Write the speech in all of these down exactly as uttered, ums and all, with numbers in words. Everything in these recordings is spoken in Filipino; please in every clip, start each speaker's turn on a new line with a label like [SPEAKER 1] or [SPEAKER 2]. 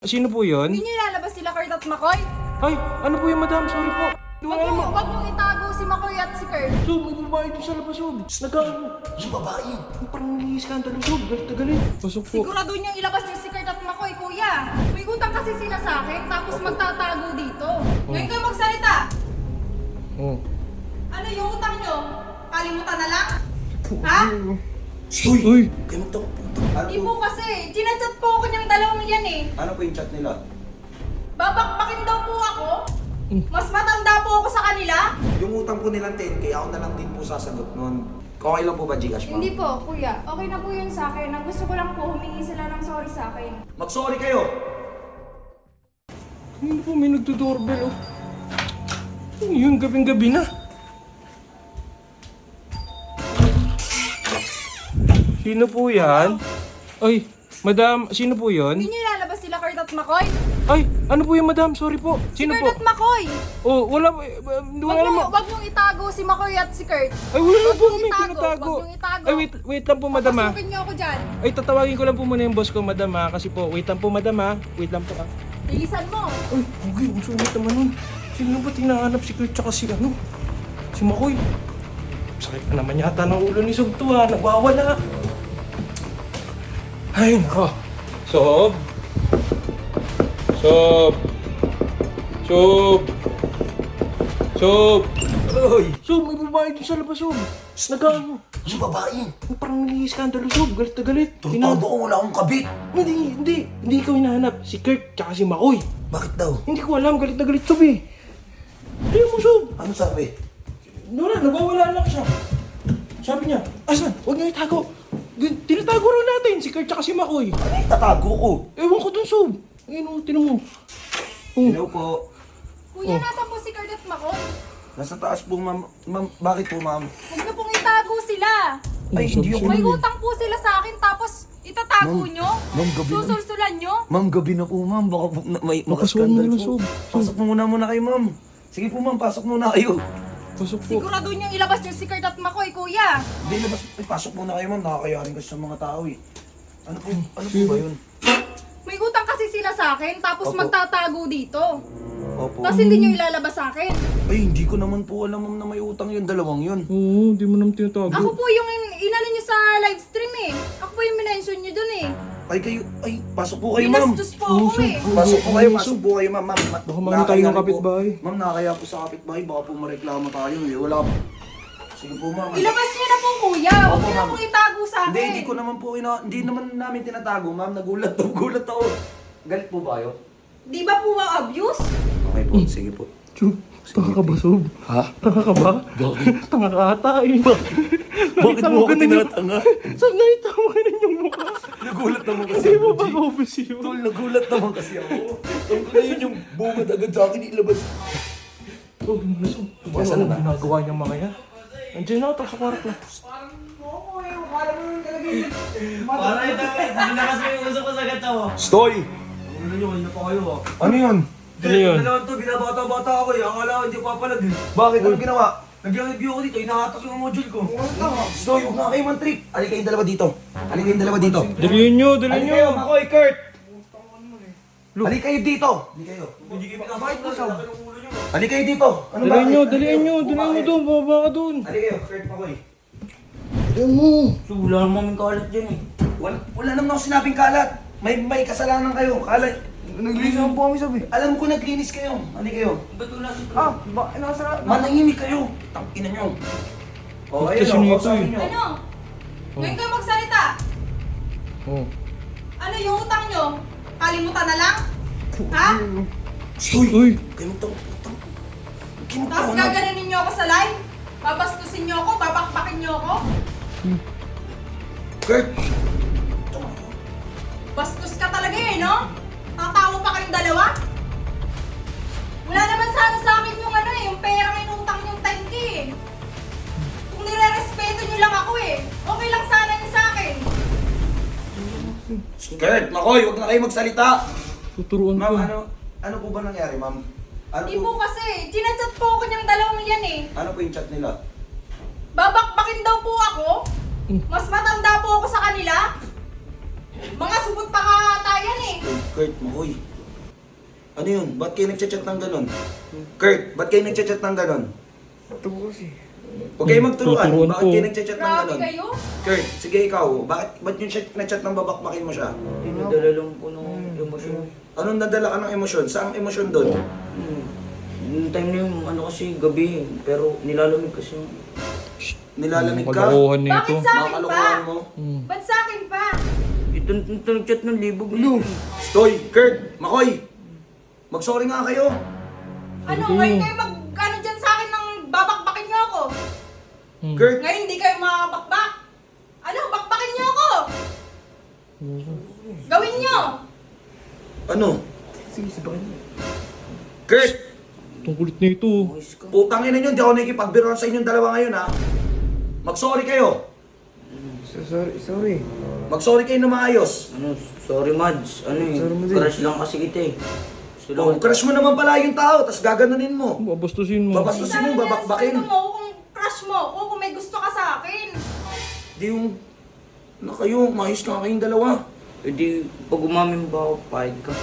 [SPEAKER 1] Sino po yun?
[SPEAKER 2] Hindi niyo ilalabas sila Kurt at Makoy?
[SPEAKER 1] Ay, ano po yun, madam? Sorry po.
[SPEAKER 2] Huwag niyo, huwag niyo itago si Makoy at si Kurt.
[SPEAKER 1] Sob, may babae doon sa labas, Sob. Nag-
[SPEAKER 3] Yung babae.
[SPEAKER 1] Parang nag-i-skandalo, Sob. Galit na galit. Pasok po.
[SPEAKER 2] Sigurado niyong ilabas niyo si Kurt at Makoy, kuya. May utang kasi sila sa akin, tapos magtatago dito. Ngayon kayo magsalita.
[SPEAKER 1] Oh.
[SPEAKER 2] Ano yung utang niyo? Kalimutan na lang? Ha?
[SPEAKER 3] Uy!
[SPEAKER 1] Uy!
[SPEAKER 3] Kayo to.
[SPEAKER 2] Hindi po kasi. Ginachat po ako niyang dalawang yan eh.
[SPEAKER 3] Ano po yung chat nila?
[SPEAKER 2] Babakbakin daw po ako. Mas matanda po ako sa kanila.
[SPEAKER 3] Yung utang po nilang ten K, ako na lang din po sasagot nun. Okay lang po ba, Gcash, ma'am?
[SPEAKER 2] Hindi po, kuya. Okay na po yun sa akin. Ang gusto ko lang po, humingi sila ng sorry sa akin.
[SPEAKER 3] Mag-sorry kayo!
[SPEAKER 1] Ano po, may nagdo-doorbell, oh. Ano yun, gabing-gabi na. Sino po yan? Ay, madam, sino po yun?
[SPEAKER 2] Hindi niyo ilalabas sila Kurt at Makoy?
[SPEAKER 1] Ay, ano po yun, madam? Sorry po. Sino
[SPEAKER 2] si
[SPEAKER 1] po?
[SPEAKER 2] Kurt at Makoy!
[SPEAKER 1] Oh, wala, eh, wala
[SPEAKER 2] Wag
[SPEAKER 1] naman.
[SPEAKER 2] niyo, wag niyong itago si Makoy at si Kurt.
[SPEAKER 1] Ay, wala
[SPEAKER 2] Wag
[SPEAKER 1] po
[SPEAKER 2] niyong
[SPEAKER 1] kami
[SPEAKER 2] itago,
[SPEAKER 1] tinatago.
[SPEAKER 2] wag niyong itago.
[SPEAKER 1] Ay, wait, wait lang po, madam, ha.
[SPEAKER 2] Papasukin niyo ako dyan.
[SPEAKER 1] Ay, tatawagin ko lang po muna yung boss ko, madam, ha. Kasi po, wait lang po, madam, ha. Wait lang po, ha.
[SPEAKER 2] Bilisan mo.
[SPEAKER 1] Ay, okay, ang sungit naman nun. Sino ba tinahanap si Kurt tsaka si ano? Si Makoy. Sakit pa naman yata ng ulo ni Sob to, ha. Nagwawala. Ay, nako. Sob. Sob. Sob. Sob.
[SPEAKER 3] Uy!
[SPEAKER 1] Sob, may babae dun sa labas, Sob. Nag-ano?
[SPEAKER 3] Yung babae!
[SPEAKER 1] Parang nag-i-skandalo, Sob. Galit na galit.
[SPEAKER 3] Turtado ko, wala akong kabit!
[SPEAKER 1] Hindi, hindi. Hindi ikaw hinahanap. Si Kurt tsaka si Makoy.
[SPEAKER 3] Bakit daw?
[SPEAKER 1] Hindi ko alam. Galit na galit, Sob, eh. Tingnan mo, Sob.
[SPEAKER 3] Ano sabi?
[SPEAKER 1] Wala, nagwawala lang siya. Sabi niya, asan? Huwag niyo itago. Gan- Tinatago rin natin si Kurt tsaka si Makoy.
[SPEAKER 3] Ano yung tatago ko?
[SPEAKER 1] Ewan ko dun, Sob. Ayun o, tinan mo. Oh.
[SPEAKER 3] Hello po.
[SPEAKER 2] Kuya,
[SPEAKER 1] Oh.
[SPEAKER 2] nasa po si Kurt at Makoy?
[SPEAKER 3] Nasa taas po, ma'am. Ma'am, bakit po, ma'am?
[SPEAKER 2] Huwag niyo pong itago sila.
[SPEAKER 3] Ay, hindi ako...
[SPEAKER 2] May utang po sila sa akin, tapos itatago
[SPEAKER 3] Ma'am,
[SPEAKER 2] niyo?
[SPEAKER 3] ma'am, gabi na.
[SPEAKER 2] Susulsulan niyo?
[SPEAKER 3] Ma'am, gabi na po, ma'am. Baka po na, may
[SPEAKER 1] Makasuhan mo
[SPEAKER 3] makaskandal
[SPEAKER 1] na,
[SPEAKER 3] po.
[SPEAKER 1] Sob.
[SPEAKER 3] Pasok mo muna muna kayo, ma'am. Sige po, ma'am. Pasok muna kayo.
[SPEAKER 1] Pasok po.
[SPEAKER 2] Sigurado niyong ilabas niyo si Kurt at Makoy, kuya.
[SPEAKER 3] Hindi, labas. Ay, pasok muna kayo, ma'am. Nakakayarin kasi sa mga tao, eh. Ano po, ano po ba yun?
[SPEAKER 2] May utang kasi sila sa akin, tapos
[SPEAKER 3] Opo.
[SPEAKER 2] magtatago dito.
[SPEAKER 3] Opo.
[SPEAKER 2] Tapos hindi niyo ilalabas sa akin.
[SPEAKER 3] Ay, hindi ko naman po alam, ma'am, na may utang yun. Dalawang yun.
[SPEAKER 1] Oo, hindi mo naman tinatago.
[SPEAKER 2] Ako po yung in- inano niyo sa live stream eh. Ako po yung minention niyo dun eh.
[SPEAKER 3] Ay, kayo. Ay, pasok po kayo, ma'am.
[SPEAKER 2] Binastos po ako eh.
[SPEAKER 3] Pasok po kayo, pasok po kayo, ma'am. Ma'am, ma-
[SPEAKER 1] Baka makita
[SPEAKER 3] nakakaya
[SPEAKER 1] tayo ng
[SPEAKER 3] rin po.
[SPEAKER 1] kapitbahay.
[SPEAKER 3] Ma'am, nakakaya po sa kapitbahay. Baka po mareklamo tayo, eh. Wala po. Sige po, ma'am.
[SPEAKER 2] Ilabas niyo na po kuya. Huwag
[SPEAKER 3] Opo,
[SPEAKER 2] niyo na
[SPEAKER 3] ma'am.
[SPEAKER 2] pong itago sa akin.
[SPEAKER 3] Hindi, hindi ko naman po, ina hindi naman namin tinatago, ma'am. Nagulat ako, gulat ako. Galit po ba kayo?
[SPEAKER 2] Di ba po abuse?
[SPEAKER 3] Okay po, sige po.
[SPEAKER 1] Sob, tanga ka ba, Sob?
[SPEAKER 3] Ha?
[SPEAKER 1] Tanga ka ba?
[SPEAKER 3] Bakit?
[SPEAKER 1] Tanga ka ata eh.
[SPEAKER 3] Bakit mo ako tinatanga?
[SPEAKER 1] Sob, nakita mo ganun yung mukha.
[SPEAKER 3] Nagulat naman kasi
[SPEAKER 1] Hindi
[SPEAKER 3] ako,
[SPEAKER 1] mo ba
[SPEAKER 3] G.
[SPEAKER 1] obvious yun?
[SPEAKER 3] Tol, nagulat naman kasi ako. Tol, ko na yun yung bungad agad sa akin ilabas.
[SPEAKER 1] Sob, ano, Sob?
[SPEAKER 3] Nasaan
[SPEAKER 1] Ano
[SPEAKER 3] na?
[SPEAKER 1] ang ginagawa niya mga yan? Andiyan na, tapos sa kwarto.
[SPEAKER 4] Para ito, hindi na kasi yung uso ko sa gata mo.
[SPEAKER 3] Stoy!
[SPEAKER 4] Ano nyo, hindi na pa kayo ah.
[SPEAKER 3] Ano yun?
[SPEAKER 1] Ano yun?
[SPEAKER 4] Dalawan to, binabata-bata ako eh. Akala ko hindi ko papalag eh.
[SPEAKER 3] Bakit? Ano ginawa?
[SPEAKER 4] Nag-review ako dito, inahatak yung module ko.
[SPEAKER 3] Stoy, huwag na kayo man-trip. Halika kayong dalawa dito. Halika kayong dalawa dito.
[SPEAKER 1] Dalhin nyo, dalhin
[SPEAKER 3] Halika
[SPEAKER 1] nyo.
[SPEAKER 3] kayo, Makoy, Kurt! Halika kayo dito! Halika kayo.
[SPEAKER 4] Hindi kayo pinabait mo sa
[SPEAKER 3] Halika kayo dito! Ano
[SPEAKER 1] Dalhin nyo,
[SPEAKER 3] bakit?
[SPEAKER 1] dalhin nyo, dalhin nyo doon, bababa ka doon.
[SPEAKER 3] Halika kayo, Kurt, Makoy.
[SPEAKER 4] So, wala naman kalat dyan eh.
[SPEAKER 3] Wala, wala naman ako sinabing kalat. May may kasalanan kayo. Kalat.
[SPEAKER 4] Naglinis naman po kami sabi.
[SPEAKER 3] Alam ko naglinis kayo. Halika kayo.
[SPEAKER 4] Ba't wala si
[SPEAKER 3] Ah, ba, nasa... Manahimik kayo. Tangina nyo. O,
[SPEAKER 1] Kasi
[SPEAKER 3] ayun o,
[SPEAKER 1] nito
[SPEAKER 3] kausapin
[SPEAKER 1] eh.
[SPEAKER 3] nyo.
[SPEAKER 2] Ano? Ngayon kayo magsalita.
[SPEAKER 1] Oh.
[SPEAKER 2] Ano yung utang niyo? Kalimutan na lang? Ha?
[SPEAKER 3] Uy!
[SPEAKER 1] Uy,
[SPEAKER 3] Kayo magtang... magtang...
[SPEAKER 2] Tapos
[SPEAKER 3] Kinutawa na.
[SPEAKER 2] gaganunin niyo ako sa live? Babastusin niyo ako? Babakbakin niyo ako?
[SPEAKER 3] Kurt!
[SPEAKER 2] Bastos ka talaga eh, no? Tatawa pa kayong dalawa? Wala naman sana sa akin yung ano eh, yung perang inutang yung ten K eh. Kung nire-respeto niyo lang ako eh, okay lang sana yun sa akin.
[SPEAKER 3] Kurt, Makoy, huwag na kayo magsalita.
[SPEAKER 1] tuturuan ko.
[SPEAKER 3] Ma'am, ano... Ano po ba nangyari, ma'am? Ano
[SPEAKER 2] Di
[SPEAKER 3] po...
[SPEAKER 2] po kasi, ginachat po ako niyang dalawang yan eh.
[SPEAKER 3] Ano po yung chat nila?
[SPEAKER 2] Babakbakin daw po ako.
[SPEAKER 1] Mm.
[SPEAKER 2] Mas matanda po ako sa kanila. Mga subot pa katayan eh.
[SPEAKER 3] Kurt, Makoy, Ano yun? Ba't kayo nagchat-chat ng ganon? Kurt, ba't kayo nagchat-chat ng ganon?
[SPEAKER 5] Ito po kasi.
[SPEAKER 3] Huwag kayo magturuan.
[SPEAKER 1] Tuturuan
[SPEAKER 3] Bakit
[SPEAKER 1] po.
[SPEAKER 3] kayo nagchat-chat ng
[SPEAKER 2] Grabe
[SPEAKER 3] ganon?
[SPEAKER 2] kayo.
[SPEAKER 3] Kurt, sige ikaw. Bakit ba't yung chat na chat ng babakbakin mo siya?
[SPEAKER 4] Dinadala lang po ng emosyon.
[SPEAKER 3] Anong nadala ka ng emosyon? Saan emosyon doon?
[SPEAKER 4] Hmm. Yung time na yung ano kasi gabi, pero nilalamig kasi yung...
[SPEAKER 3] Nilalamig ka?
[SPEAKER 1] Kalokohan nito.
[SPEAKER 2] Bakit sa
[SPEAKER 3] Mga
[SPEAKER 2] akin pa?
[SPEAKER 3] kalokohan mo?
[SPEAKER 1] Hmm.
[SPEAKER 2] Ba't sa akin pa?
[SPEAKER 4] Ito, ito nag-chat ng libog na yun.
[SPEAKER 3] Stoy, Kurt, Makoy! Mag-sorry nga kayo.
[SPEAKER 2] Ano, ngayon kayo mag, ano dyan sa akin ng babakbakin niyo ako?
[SPEAKER 1] Hmm.
[SPEAKER 3] Kurt,
[SPEAKER 2] Ngayon hindi kayo makakabakbak? Ano, bakbakin niyo ako? Gawin niyo!
[SPEAKER 3] ano?
[SPEAKER 5] Sige, sabakin mo.
[SPEAKER 3] Kurt!
[SPEAKER 1] Itong kulit na ito.
[SPEAKER 4] Boys ka.
[SPEAKER 3] Putang ina nyo, di ako nakikipagbiruan sa inyong dalawa ngayon ha. Mag-sorry kayo.
[SPEAKER 5] So, sorry, sorry.
[SPEAKER 3] Mag-sorry kayo na maayos.
[SPEAKER 4] Ano, sorry Mads. Ano eh,
[SPEAKER 5] Sorry mo din.
[SPEAKER 4] crush lang kasi kita eh. Gusto lang
[SPEAKER 3] Oh, crush mo naman pala yung tao, tas gaganunin mo.
[SPEAKER 1] Babastusin mo.
[SPEAKER 3] Babas- Gusto mo,
[SPEAKER 2] Sana
[SPEAKER 3] babakbakin?
[SPEAKER 2] nirespeto mo ako kung crush mo ako, kung may gusto ka sa akin.
[SPEAKER 3] Di yung... Na kayo, maayos ka kayong dalawa.
[SPEAKER 4] Eh di, pag umamin ba ako, pahid ka.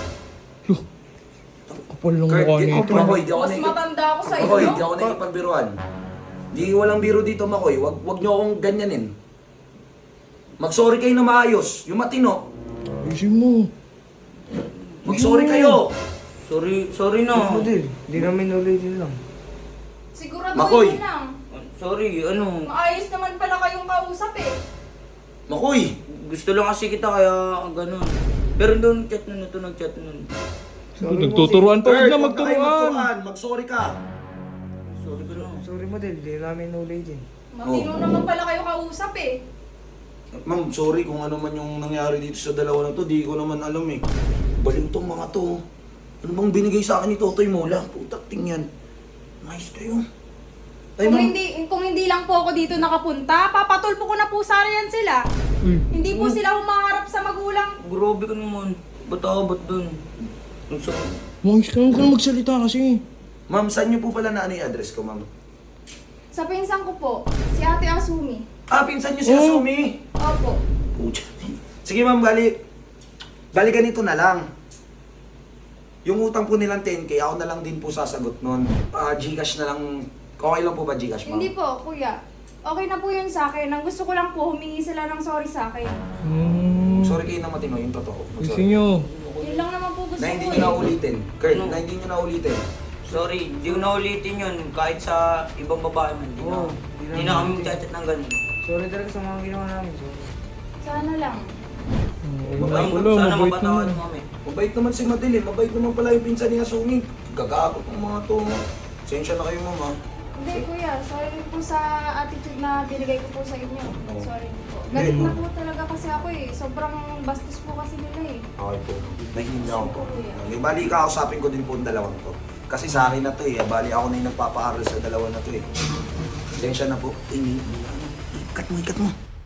[SPEAKER 1] Kapal ng
[SPEAKER 3] Kurt,
[SPEAKER 1] mukha
[SPEAKER 3] di,
[SPEAKER 1] nito.
[SPEAKER 3] Makoy, di ako
[SPEAKER 2] Mas
[SPEAKER 3] nakikip...
[SPEAKER 2] matanda ako sa
[SPEAKER 3] Makoy,
[SPEAKER 2] inyo.
[SPEAKER 3] di ako nakikipagbiruan. Di walang biro dito, Makoy. Wag, wag nyo akong ganyanin. Mag-sorry kayo na maayos. Yung matino.
[SPEAKER 1] Ayusin mo.
[SPEAKER 3] Mag-sorry kayo.
[SPEAKER 4] Sorry, sorry na.
[SPEAKER 5] Ano din? Hindi namin ulitin lang.
[SPEAKER 2] Siguraduhin
[SPEAKER 3] Makoy.
[SPEAKER 2] mo lang.
[SPEAKER 4] Sorry, ano,
[SPEAKER 2] Maayos naman pala kayong kausap eh.
[SPEAKER 3] Makoy,
[SPEAKER 4] gusto lang kasi kita kaya ganun. Pero doon chat nun, ito nag-chat nun.
[SPEAKER 1] Nagtuturuan pa. Huwag
[SPEAKER 3] Kurt,
[SPEAKER 1] na
[SPEAKER 3] wag na kayo
[SPEAKER 1] magturuan.
[SPEAKER 3] magturuan. Mag-sorry ka.
[SPEAKER 4] Sorry ka lang.
[SPEAKER 5] Sorry mo din, hindi namin ulitin.
[SPEAKER 2] Matino
[SPEAKER 3] Oh.
[SPEAKER 2] naman pala kayo kausap eh.
[SPEAKER 3] Ma'am, sorry kung ano man yung nangyari dito sa dalawa na to. Di ko naman alam eh. Baliw tong mga to. Ano bang binigay sa akin ni Totoy Mola? Putak tingyan. Nice kayo. Ay,
[SPEAKER 2] Kung
[SPEAKER 3] ma'am.
[SPEAKER 2] hindi, kung hindi lang po ako dito nakapunta, papatulpo ko na po sana yan sila.
[SPEAKER 1] Uy.
[SPEAKER 2] Hindi po sila humaharap sa magulang.
[SPEAKER 4] Grabe ka naman. Ba't ako, ba't dun? Ang sakit.
[SPEAKER 1] Mangis ka lang ka magsalita kasi.
[SPEAKER 3] Ma'am, saan niyo po pala na ano yung address ko, ma'am?
[SPEAKER 2] Sa pinsan ko po, si Ate Asumi.
[SPEAKER 3] Ah, pinsan niyo si
[SPEAKER 1] Oh.
[SPEAKER 3] Asumi.
[SPEAKER 2] Opo.
[SPEAKER 3] Pucha. Sige, ma'am, bali. Bali ganito na lang. Yung utang po nilang ten K, ako na lang din po sasagot nun. Ah, Gcash na lang. Okay lang po ba Gcash, ma'am?
[SPEAKER 2] Hindi po, kuya. Okay na po yun sa akin. Ang gusto ko lang po, humingi sila ng sorry sa akin.
[SPEAKER 1] Hmm.
[SPEAKER 3] Sorry kayo na matino, yung totoo.
[SPEAKER 1] Ayusin
[SPEAKER 3] Mag-sorry.
[SPEAKER 1] nyo.
[SPEAKER 2] Yun lang naman po gusto
[SPEAKER 3] Na hindi
[SPEAKER 2] ko
[SPEAKER 3] nyo na
[SPEAKER 2] eh.
[SPEAKER 3] ulitin. Kurt,
[SPEAKER 4] Ano?
[SPEAKER 3] na hindi nyo na ulitin.
[SPEAKER 4] Sorry, di ko na ulitin yun. Kahit sa ibang babae man, di na,
[SPEAKER 5] Oo,
[SPEAKER 4] di na kami magchat-chat ng ganun.
[SPEAKER 5] Sorry talaga sa mga ginawa namin. Sorry.
[SPEAKER 2] Sana lang.
[SPEAKER 1] Ayun
[SPEAKER 3] Mabait
[SPEAKER 1] pala,
[SPEAKER 4] Sana
[SPEAKER 1] mabait
[SPEAKER 4] mapatawad
[SPEAKER 1] naman.
[SPEAKER 4] mo kami.
[SPEAKER 3] Mabait naman si Madeline, mabait naman pala yung pinsan ni Asumi. Gagagot ng mga to. Sensya na kayo, ma'am, ha?
[SPEAKER 2] Hindi kuya, sorry po sa attitude na binigay ko po sa inyo.
[SPEAKER 3] Oo.
[SPEAKER 2] Sorry po. Galit
[SPEAKER 3] Hindi.
[SPEAKER 2] na po talaga kasi ako eh. Sobrang bastos po kasi nila eh.
[SPEAKER 3] Okay po. Nahihinga ako po.
[SPEAKER 2] Kuya.
[SPEAKER 3] Okay, bali kakausapin ko din po ang dalawang to. Kasi sa akin na to eh. Bali ako na yung nagpapaaral sa dalawa na to eh. Sensya na po. Ini, ikat mo, ikat mo.